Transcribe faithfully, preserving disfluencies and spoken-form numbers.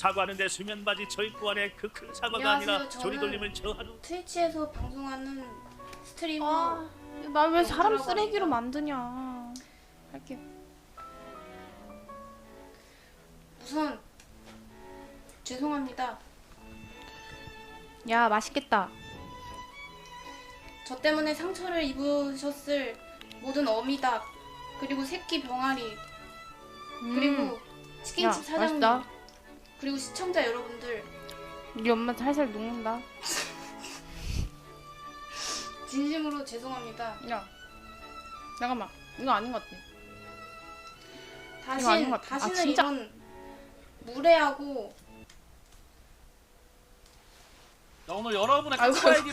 사과하는데 수면 바지 저 입고 안에 그 큰 사과가 안녕하세요. 아니라 조리 돌림을 저 하루. 트위치에서 방송하는 스트리머. 아, 나 왜 사람 영수라고 쓰레기로 합니다. 만드냐. 할게. 우선 죄송합니다. 야, 맛있겠다. 저 때문에 상처를 입으셨을 모든 어미닭 그리고 새끼 병아리 음. 그리고 치킨집 야, 사장님 맛있다. 그리고 시청자 여러분들 우리 엄마 살살 녹는다. 진심으로 죄송합니다. 야, 잠깐만. 이거 아닌 것 같아. 다신 아닌 것 같아. 아, 다시는 진짜? 이런 무례하고 나 오늘 여러분의 아이고. 카카오 아이디